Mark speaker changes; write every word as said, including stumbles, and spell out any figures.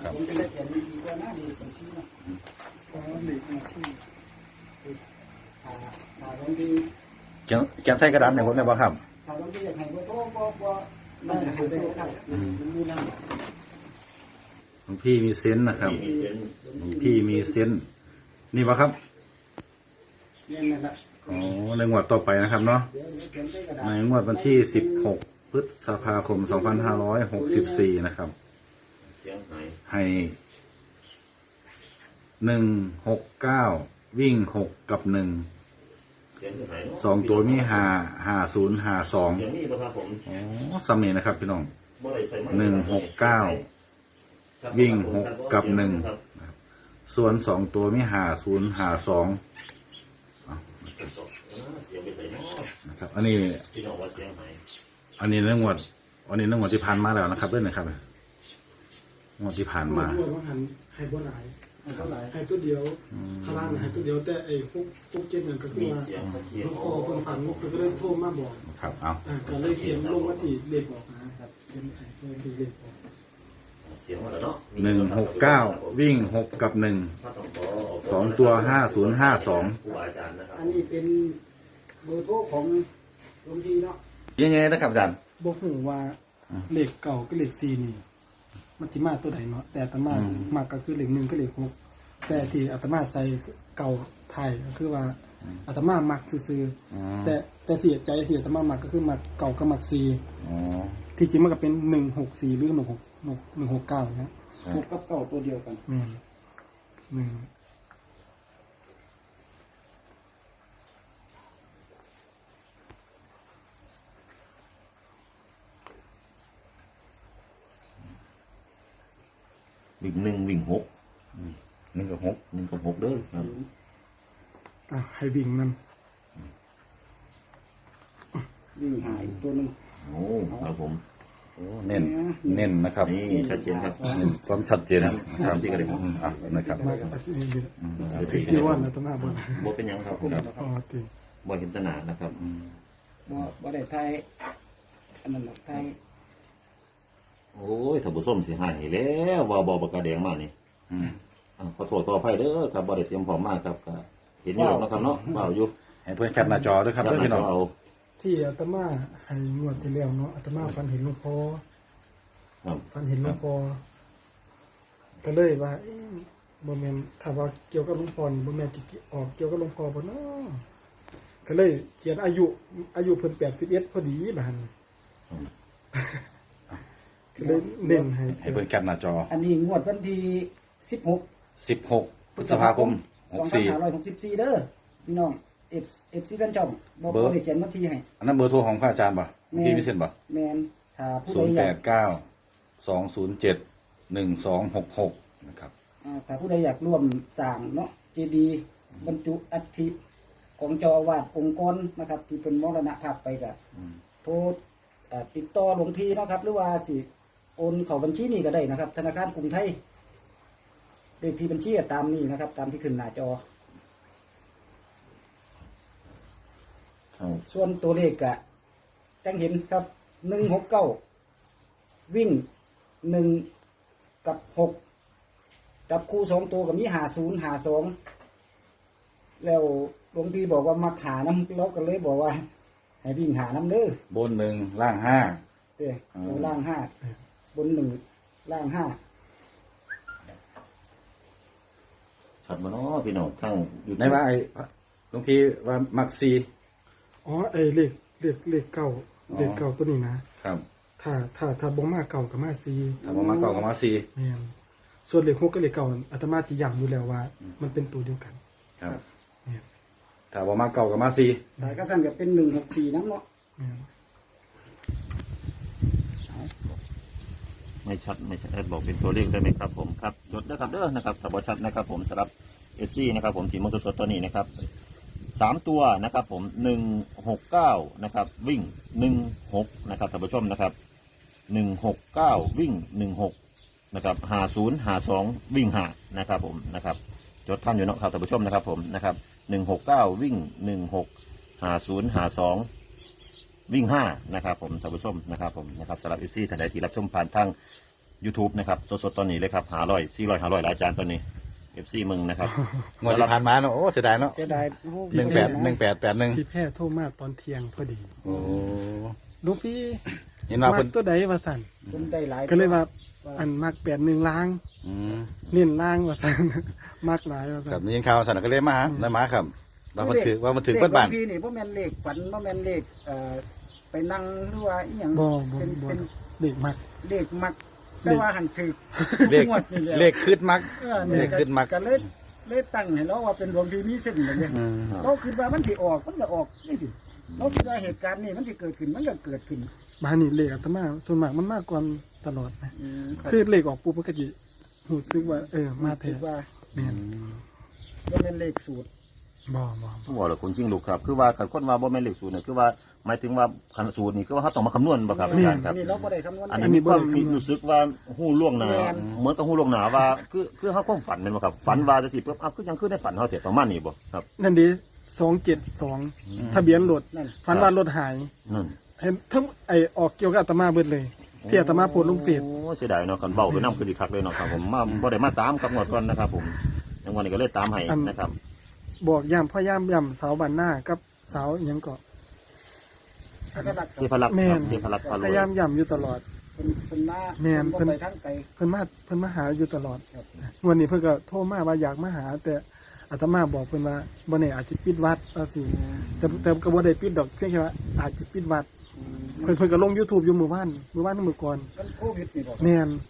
Speaker 1: ครับผมจะได้เขียนดีกว่าหน้าดีเป็นชื่อนะเพราะหลีกเป็นชื่ออ่าอ่าบางที
Speaker 2: เขียนเขียนใส่กระดาษในผมได้ป่ะครับ
Speaker 1: ถ้าบางทีอยากให้ว่าโทษก็ก็นั่นให้ไปโทษได้มันดูนั่น
Speaker 2: หลวงพี่มีเซนส์นะครับ
Speaker 3: มีเซน
Speaker 2: หลวงพี่มีเซนส์นี่ป่ะครับ
Speaker 1: เนี่ยนั่นแหละ
Speaker 2: อ๋อในงวดต่อไปนะครับเนาะ
Speaker 1: เดี๋ยวเดี๋ยวเขียนใส่กระดาษ
Speaker 2: ในงวดวันที่สิบหกพฤษภาคมสองพันห้าร้อยหกสิบสี่นะครับ
Speaker 3: เสียงหาย
Speaker 2: ให้หนึ่งหกเก้าวิ่งหกกับหนึ่ง
Speaker 3: เสียงหาย
Speaker 2: สองตัวมีหาหาศูนย์หาสอง
Speaker 3: เสียงนี่ป่ะครับผม
Speaker 2: อ๋อสำเนียงนะครับพี่น้อง
Speaker 3: เมื่อไรใส่
Speaker 2: หนึ่งหกเก้าวิ่งหกกับหนึ่งส่วนสองตัวมีหาศูนย์หาสอง
Speaker 3: เสียงไปใส่นอก
Speaker 2: นะครับอันนี้
Speaker 3: พี่น้องว่าเสียงหาย
Speaker 2: อันนี้เรื่องงวดอันนี้เรื่องงวดที่ผ่านมาแล้วนะครับเรื่องนะครับงวดที่ผ่านมา
Speaker 4: ด้วยว่าหันให้บ่หลาย
Speaker 1: เท่าไหร่
Speaker 4: ให้ตัวเดียวข้างล่างให้ตัวเดียวแต่ไอ้พวกพวกเจ็ดนั่นก็คือ
Speaker 3: มี
Speaker 4: ว่า
Speaker 3: เสียงเขียน
Speaker 4: ลูกคอคนฝันลูกก็เลยโทรมาบอก
Speaker 2: ครับเอา
Speaker 4: อ่าก็เลยเขียนลงมาที่เลขออกนะครับเขียนให้เพื่อนดูเลขออก
Speaker 3: เสียงว่าแล้วเนาะ
Speaker 2: หนึ่งหกเก้าวิ่งหกกับหนึ่งสองตัวห้าศูนย์ห้าสอง
Speaker 3: ครูบาอาจารย์นะครับ
Speaker 1: อันนี้เป็นเบอร์โทรของหลวงพี่เนาะ
Speaker 2: ยังไงนะครับอาจารย์
Speaker 4: บอกหูว่าเลขเก่าก็เลขสี่นี่มันสิมาตัวไหนเนาะแต่อาตมามักก็คือเลขหนึ่งก็เลขหกแต่ที่อาตมาใส่เก่าไทยก็คือว่าอาตมามักซื่อๆแต่แต่ที่ใจที่อาตมามักก็คือมักเก่ากับมักสี่
Speaker 2: อ๋อ
Speaker 4: ที่จริงมันก็เป็นหนึ่งหกสี่หรือหนึ่งหกหนึ่งหกเก้านะ
Speaker 1: หกกับเก้าตัวเดียวกัน
Speaker 4: อืมหนึ่ง
Speaker 3: วิ่งหนึ่งวิ่งหก
Speaker 2: หนึ่งกับหก
Speaker 3: หนึ่งกับหกเด้อครับ
Speaker 4: อ่ะให้วิ่งนั่น
Speaker 1: วิ่งหายตัวหนึง
Speaker 3: โอ้ครับผม
Speaker 2: โอ้เน้นเน้นนะครับ
Speaker 3: นี่ชัดเจนครับ
Speaker 2: เน้นความชัดเจนนะครับอืมอ่ะนะครับ
Speaker 4: มากับอาชีพนี้
Speaker 2: อืม
Speaker 4: ที่ว่านะตมาบน
Speaker 3: บ่เป็นยังครับผม
Speaker 4: อ๋อติ
Speaker 3: บ่เห็นตนานะครับ
Speaker 1: บ่บ่ได้ไทยอันนั้นหรอกไทย
Speaker 3: โอ้ยถ้าบุส้มสิหายแล้วว่าบ่ปากกาแดงมานี่
Speaker 2: อืม
Speaker 3: อ่าขอโทษต่อไปเด้อครับบ่ได้เตรียมพร้อมมากครับก็เห็นอยู่แล้วนะครับเนาะเปล่าอยู่
Speaker 2: ให้เพื่อนแคปหน้าจอด้วยครับ
Speaker 3: จั
Speaker 2: เพื่อนพี่น้อง
Speaker 3: เอา
Speaker 4: ที่อาตมาให้งวดที่แล้วเนาะอาตมาฟันเห็นหลวงพ่อ
Speaker 3: ครับ
Speaker 4: ฟันเห็นหลวงพ่อก็เลยว่าเอ๊ะบ่แม่นถ้าว่าเกี่ยวกับหลวงพ่อนี่บ่แม่นสิออกเกี่ยวกับหลวงพ่อบ่เนาะก็เลยเขียนอายุอายุเพิ่นแปดสิบเอ็ดพอดีบาดนี้ก็เลยเน้นให้
Speaker 2: ให้เพื่อนแคปหน้าจอ
Speaker 1: อันนี้งวดวันที่สิบหก
Speaker 2: สิบหกพฤษภาคมห
Speaker 1: ส
Speaker 2: ก
Speaker 1: องพัน
Speaker 2: สี่
Speaker 1: ห้าร้อยหกสิบสี่เด้อพี่น้องเอฟเอฟซีแฟนช่องบอก
Speaker 2: เบอร์
Speaker 1: เขาได้เขียนวันที่ให้
Speaker 2: อันนั้นเบอร์โทรของพระอาจารย์ป่ะพี่วิเศษป่ะ
Speaker 1: แมนถ้าผู้
Speaker 2: ศู
Speaker 1: ใด
Speaker 2: นย์
Speaker 1: อ
Speaker 2: แป
Speaker 1: ยาก
Speaker 2: ดเก้าสองศูนย์เจ็ดหนึ่งสองหกหกนะครับ
Speaker 1: อ่าถ้าผู้ใดอยากร่วมสร้างเนาะเจดีย์บรรจุอัฐิของเจ้าอาวาสองค์กรนะครับ ที่เป็นมรณภาพไปกับโทรอ่าติดต่อหลวงพี่เนาะครับ หรือว่าสิโอนเข้าบัญชีนี้ก็ได้นะครับ ธนาคารกรุงไทยเลขที่บัญชีก็ตามนี้นะครับ ตามที่ขึ้นหน้าจอ
Speaker 3: ครับ
Speaker 1: ส่วนตัวเลขกะจังเห็นครับหนึ่งหกเก้าวิ่งหนึ่งกับหกจับคู่สองตัวกับมีหาศูนย์หาสองแล้วหลวงพี่บอกว่ามาขาน้ำเราก็เลยบอกว่า ให้วิ่งหาน้ำเด้อบ
Speaker 2: นหนึ่งล่างห้า
Speaker 1: เด้
Speaker 2: อืม
Speaker 1: บนล่างห้าบนหนึ่งล่างห้า
Speaker 3: ชัดบ่เนาะพี่น้องทั้งอยู่
Speaker 2: ในว่าไอ้หลวงพี่ว่ามักซี
Speaker 4: อ๋อไอ้เลขเลขเลขเก่าเลขเก่าตัวนี้นะครับ ถ้าถ้าถ้าบ่มาเก่ากับมาซี
Speaker 2: ถ้าผมมาเก่ากับมาซี
Speaker 4: แม่นส่วนเลขหกกับเลขเก่าอาตมาสิย้ำอยู่แล้วว่า มันเป็นตัวเดียวกัน
Speaker 2: ครับ
Speaker 4: แม่น
Speaker 2: ถ้าผมมาเก่ากับมาซี
Speaker 1: แต่ก็สั่นกับเป็นหนึ่งหกสี่น้ำเนาะ
Speaker 4: แม่น
Speaker 3: ไม่ชัดไม่ชัดบอกเป็นตัวเลขได้ไหมครับผมครับจดนะครับเด้อนะครับถ้าบ่ชัดนะครับผมสำหรับเอฟซีนะครับผมสีมอเตอร์สดตัวนี้นะครับสามตัวนะครับผมหนึ่งหกเก้านะครับวิ่งหนึ่งหกนะครับท่านผู้ชมนะครับหนึ่งหกเก้าวิ่งหนึ่งหกนะครับหาศูนย์หาสองวิ่งหานะครับผมนะครับจดท่านอยู่เนาะครับท่านผู้ชมนะครับผมนะครับหนึ่งหกเก้าวิ่งหนึ่งหกหาศูนย์หาสองวิ่งห้านะครับผมท่านผู้ชมนะครับผมนะครับสำหรับเอฟซีท่านใดที่รับชมผ่านทาง YouTube นะครับสดๆตอนนี้เลยครับหาร้อยสี่ร้อยหาร้อยหลายจานตอนนี้เอฟซีมึงนะครับ
Speaker 2: งวดที่ผ่านมาเนาะโอ้เสียดายเนาะ
Speaker 1: เสียดายโอ้โ
Speaker 2: หนึ่งแปดหนึ่งแปดแปดหนึ่ง
Speaker 4: พี่แพทย์โทรมาตอนเที่ยงพอดี
Speaker 2: โอ้
Speaker 4: ลูกพี่
Speaker 2: เห็นว่า
Speaker 4: มั
Speaker 2: เพิ่
Speaker 4: ก
Speaker 2: น
Speaker 4: ตัวใดว่าสั่น
Speaker 1: คนได้หลาย
Speaker 4: ก็เลยว่าอันมักแปดหนึ่งล้าง
Speaker 2: อืม
Speaker 4: เน้นล้างว่าสั่น มักหลายว่า
Speaker 2: ครั
Speaker 4: สั่
Speaker 2: บ
Speaker 4: น
Speaker 2: ยิงข่าวสั่นก็เลยมาหาแล้วมาครับว่ามันถือว่ามันถือเบิดบ้าน
Speaker 1: เลขหลวงพี่นี่บ่แม่นเลขฝันบ่แม่นเลขเอ่อไปนั่งหรือว่าอีหยัง
Speaker 4: บ่บ่
Speaker 1: เป็น
Speaker 4: บ่
Speaker 1: เป็น
Speaker 4: เด็กมัก
Speaker 1: เลขมักแต่ว่าหันถือ
Speaker 2: เลข
Speaker 1: งวดนี่แหละ
Speaker 2: เลขคืดมัก
Speaker 1: เออนี่
Speaker 2: เลขขึ้นมัก
Speaker 1: ก็เลยเลยตั้งให้เราว่าเป็นหลวงพี่มีเส้นแบบนี้
Speaker 2: อืม
Speaker 1: เราคิดว่ามันสิออกมันก็ออกนี่สิเราคิดว่าเหตุการณ์นี้มันสิเกิดขึ้นมันก็เกิดขึ้น
Speaker 4: บ้านนี่เลขอาตมาส่วนมากมันมากกว่าตลอดนะ
Speaker 1: อืม
Speaker 4: คือเลขออกปุ๊บมันก็จะหูซึกว่า เออมาแท้
Speaker 1: คิดว่า
Speaker 4: แม่น
Speaker 1: บ่แม่นเลขสูตร
Speaker 4: บ่บ่
Speaker 3: ผู้บอกเลยคุณชิงลูกครับคือว่าการค้นว่าบ่แม่นเลขสูตรเนี่ยคือว่าหมายถึงว่าคันสูตรนี่คือว่าเขาต้องมาคำนวณบ่ครับอาจารย์ครับ
Speaker 1: อันนี้เราบ่ได้คำนวณ
Speaker 3: อันนี้มีความมีรู้สึกว่าหู้ล่วงหน้า
Speaker 1: แม่น
Speaker 3: เหมือนกับหู้ล่วงหน้าว่าคือคือเขาความฝันเป็นบ่ครับฝันว่าจะสิปุ๊บอ้าวคือยังคือในฝันเขาเถอะประมาณนี้บ่ครับ
Speaker 4: นั่นดีสองเจ็ดสองทะเบียนรถ
Speaker 1: นั่น
Speaker 4: ฝันว่ารถหาย
Speaker 3: นั่น
Speaker 4: เห็นทั้งไอออกเกี่ยวกับอาตมาเบิดเลย ที่อาตมาโพสต์ลงเฟซ
Speaker 3: โอ้เสียดายเนาะกันเบาไปน้ำคือดีคักเลยเนาะครับผมมาบ่ได้มาตามกับงวดก่อนนะครับผมยังวันนี้ก็เลยตามให้นะครับ
Speaker 4: บอกย่ำพ่อย่ำย่ำเสาบันหน้ากับเสาอิหยังเกาะ
Speaker 1: สักลักษณ์
Speaker 3: เทพรักษ์
Speaker 4: แม่
Speaker 3: ครับ
Speaker 4: น
Speaker 3: เทพรักษ์พาร
Speaker 4: พ
Speaker 3: วย
Speaker 4: ยายามย่ำอยู่ตลอด
Speaker 1: เพิ่นเพิ่นมา
Speaker 4: แม่น
Speaker 1: เพิ่น
Speaker 4: เพิ่
Speaker 1: บ่
Speaker 4: น
Speaker 1: ไปทางไกล
Speaker 4: เพิ่นมาเพิ่นมาหาอยู่ตลอด
Speaker 1: ครับ
Speaker 4: วันนี้เพิ่นก็โทรมาว่าอยากมาหา แต่อาตมาบอกเพิ่นว่าบ่แน่อาจจะปิดวัดว่าสิแต่แต่ก็บ่ได้ปิดดอกเพียงแค่ว่าอาจจะปิดวัด เพิ่นเพิ่นก็ลง YouTube อยู่มื้อวานมื้อวานมื้อก่อน
Speaker 1: มันโควิดนี่บ่
Speaker 4: แม่น